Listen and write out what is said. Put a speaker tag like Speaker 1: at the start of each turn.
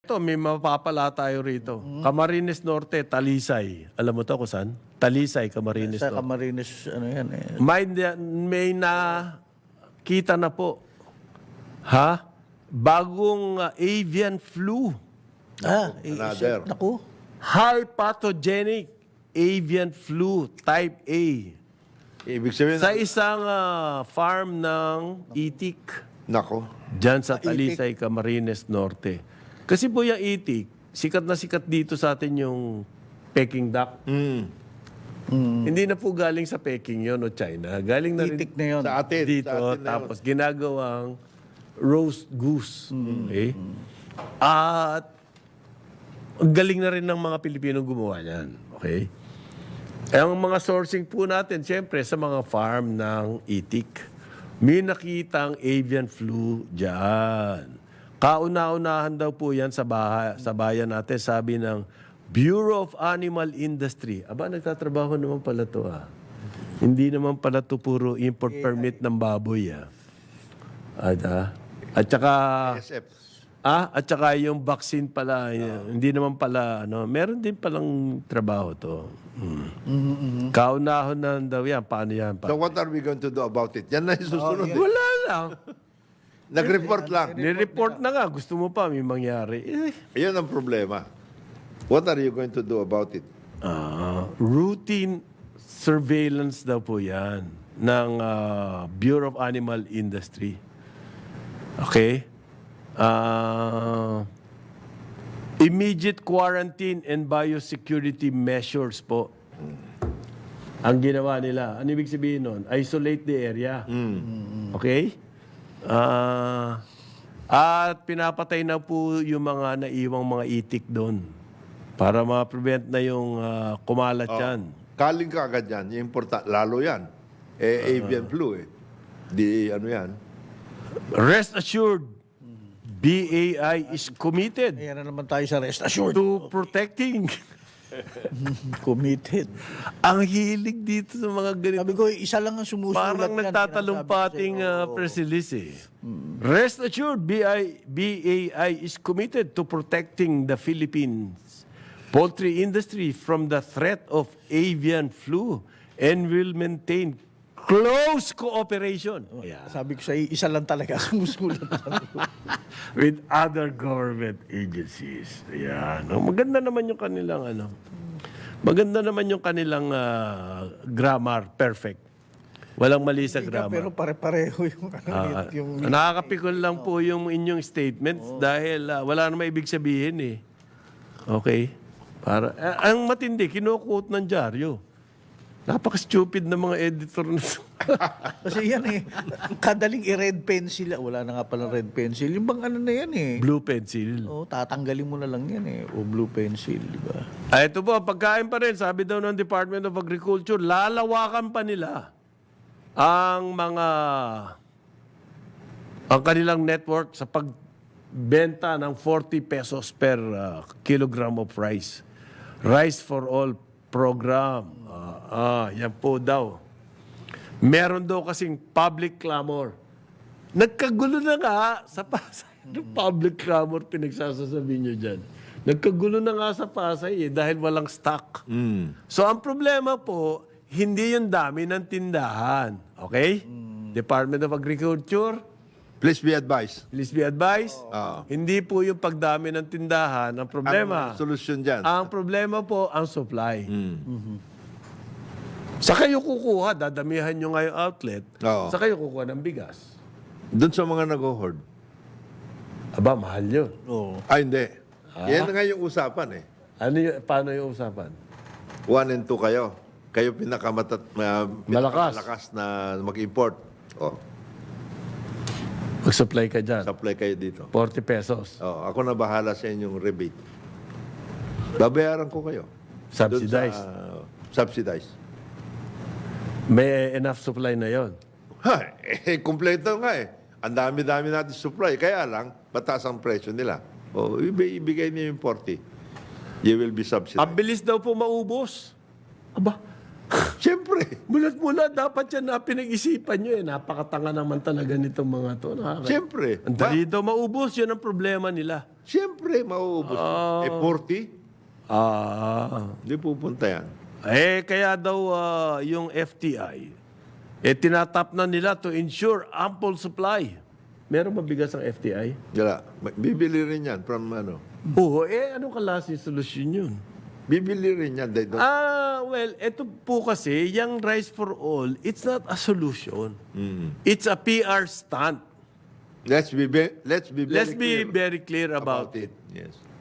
Speaker 1: Ito, may mapapala tayo rito. Camarines Norte, Talisay. Alam mo to kung saan? Talisay, Camarines
Speaker 2: Sa
Speaker 1: Norte.
Speaker 2: Camarines, ano yan eh.
Speaker 1: May nakita na po. Ha? Bagong avian flu.
Speaker 3: another.
Speaker 2: Naku.
Speaker 1: High pathogenic avian flu type A.
Speaker 3: Ibig sabihin,
Speaker 1: Sa isang farm ng itik.
Speaker 3: nako.
Speaker 1: Diyan sa Talisay, Camarines Norte. Kasi po yung itik, sikat na sikat dito sa atin yung Peking duck. Hindi na po galing sa Peking yon o China. Galing na rin
Speaker 2: Itik na yun.
Speaker 3: Sa atin.
Speaker 1: dito.
Speaker 3: sa atin na yun.
Speaker 1: Tapos ginagawang roast goose. Okay? At ang galing na rin ng mga Pilipino gumawa niyan. Okay? Ang mga sourcing po natin, siyempre, sa mga farm ng itik. May nakitang avian flu dyan. Kauna-unahan daw po yan sa bayan natin, sabi ng Bureau of Animal Industry. Aba, nagtatrabaho naman pala to Hindi naman pala to puro import permit ng baboy At saka,
Speaker 3: SF.
Speaker 1: at saka yung vaccine pala, hindi naman pala, meron din palang trabaho to. Kaunahon na daw yan. Paano yan?
Speaker 3: So what are we going to do about it? Yan na yung susunod.
Speaker 1: Wala lang.
Speaker 3: Nag-report lang.
Speaker 1: Nireport na nga. Gusto mo pa may mangyari.
Speaker 3: Ayun ang problema. What are you going to do about it?
Speaker 1: Routine surveillance daw po yan ng Bureau of Animal Industry. Okay? Immediate quarantine and biosecurity measures po. Ang ginawa nila. Ano ibig sabihin nun? Isolate the area. Okay? At pinapatay na po yung mga naiwang mga itik doon para ma-prevent na yung kumalat yan.
Speaker 3: Kaling ka agad yan. Yung lalo yan. Avian flu Di ano yan.
Speaker 1: Rest assured, BAI is committed
Speaker 2: Ayan na naman tayo sa rest assured.
Speaker 1: to protecting.
Speaker 2: Committed.
Speaker 1: Ang hilig dito sa mga ganito.
Speaker 2: Sabi ko, isa lang ang sumusulat
Speaker 1: Parang
Speaker 2: yan.
Speaker 1: nagtatalumpating press release Rest assured, BAI is committed to protecting the Philippines poultry industry from the threat of avian flu and will maintain close cooperation
Speaker 2: Sabi ko sa isa lang talaga ang sumusulat.
Speaker 1: with other government agencies. Ayan. Maganda naman yung kanilang Maganda naman yung kanilang grammar, perfect. Walang mali sa grammar.
Speaker 2: Pero pare-pareho yung yung
Speaker 1: Nakakapikon lang po yung inyong statements dahil wala namang ibig sabihin Okay? Ang matindi, kinuquote ng dyaryo. Napaka-stupid ng mga editor na
Speaker 2: Kasi yan kadaling i-red pencil. Wala na nga palang red pencil. Yung bang ano na yan
Speaker 1: blue pencil.
Speaker 2: tatanggalin mo na lang yan O blue pencil, di ba?
Speaker 1: Ito po, pagkain pa rin. Sabi daw ng Department of Agriculture, lalawakan pa nila ang kanilang network sa pagbenta ng 40 pesos per kilogram of rice. Rice for All program. Yan po daw. Meron daw kasing public clamor. Nagkagulo na nga sa Pasay. Public clamor pinagsasasabi nyo dyan. Nagkagulo na nga sa Pasay dahil walang stock. So ang problema po, hindi yung dami ng tindahan. Okay? Department of Agriculture,
Speaker 3: Please be advised.
Speaker 1: please be advised. Hindi po yung pagdami ng tindahan ang problema.
Speaker 3: Ang solusyon dyan.
Speaker 1: Ang problema po, ang supply. Sa kayo kukuha, dadamihan nyo nga yung outlet,
Speaker 3: Oo.
Speaker 1: sa kayo kukuha ng bigas.
Speaker 3: Doon sa mga nag-hoard.
Speaker 1: Aba, mahal yun.
Speaker 2: Oo.
Speaker 3: Hindi. Yan nga yung usapan
Speaker 1: Paano yung usapan?
Speaker 3: 1 and 2 kayo. Kayo
Speaker 1: Malakas.
Speaker 3: malakas na mag-import.
Speaker 1: Mag-supply ka dyan.
Speaker 3: Supply kayo dito.
Speaker 1: 40 pesos.
Speaker 3: Ako na bahala sa inyong rebate. Babayaran ko kayo. Doon
Speaker 1: Subsidized.
Speaker 3: Subsidized.
Speaker 1: May enough supply na yon.
Speaker 3: Kompleto nga Ang dami-dami natin supply. Kaya lang, mataas ang presyo nila. Ibigay niyo yung 40. You will be subsidized.
Speaker 1: Ang bilis daw po maubos. Aba,
Speaker 3: Siyempre.
Speaker 1: mulat-mula, dapat yan na pinag-isipan nyo Napakatanga naman talaga nitong mga to.
Speaker 3: Siyempre.
Speaker 1: Ang dali daw maubos, yun ang problema nila.
Speaker 3: Siyempre, mauubos. 40? Hindi pupunta yan.
Speaker 1: Kaya daw yung FTI, tinatap na nila to ensure ample supply. Meron ba bigas ang FTI?
Speaker 3: Wala. Bibili rin yan from ano.
Speaker 1: Oo, anong klaseng solusyon yun?
Speaker 3: Bibili rin yan. They don't-
Speaker 1: Well, ito po kasi, yung Rice for All, it's not a solution. It's a PR stunt.
Speaker 3: Let's be very
Speaker 1: Let's be
Speaker 3: clear
Speaker 1: very clear about it.
Speaker 3: Yes.